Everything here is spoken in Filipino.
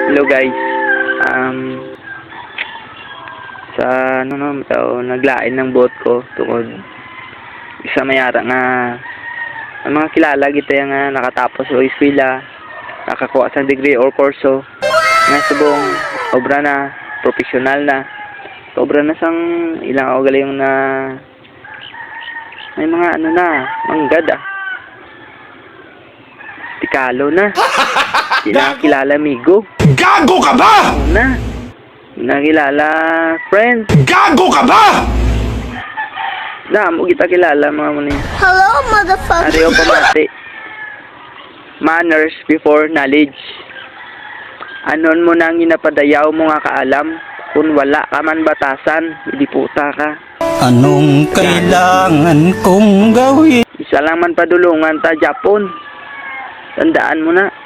Hello guys. Sa naglain ng boat ko tungod isa mayara nga ang mga kilala kita nga nakatapos o eskwela, nakakuha sa degree or kurso nga subong obra na professional na obra na sang ilang o galing na may mga manggad tikalo na kilala amigo. Gago ka ba? Nakilala friend. Gago ka ba? Mo kita kilala mga muni. Hello, motherfucker. Ariyo pamati. Manners before knowledge. Anon mo nang ginapadayaw mo nga kaalam, kung wala ka man batasan, hindi puta ka. Anong kailangan kong gawin? Isa lang man padulungan ta Japon. Tandaan mo na.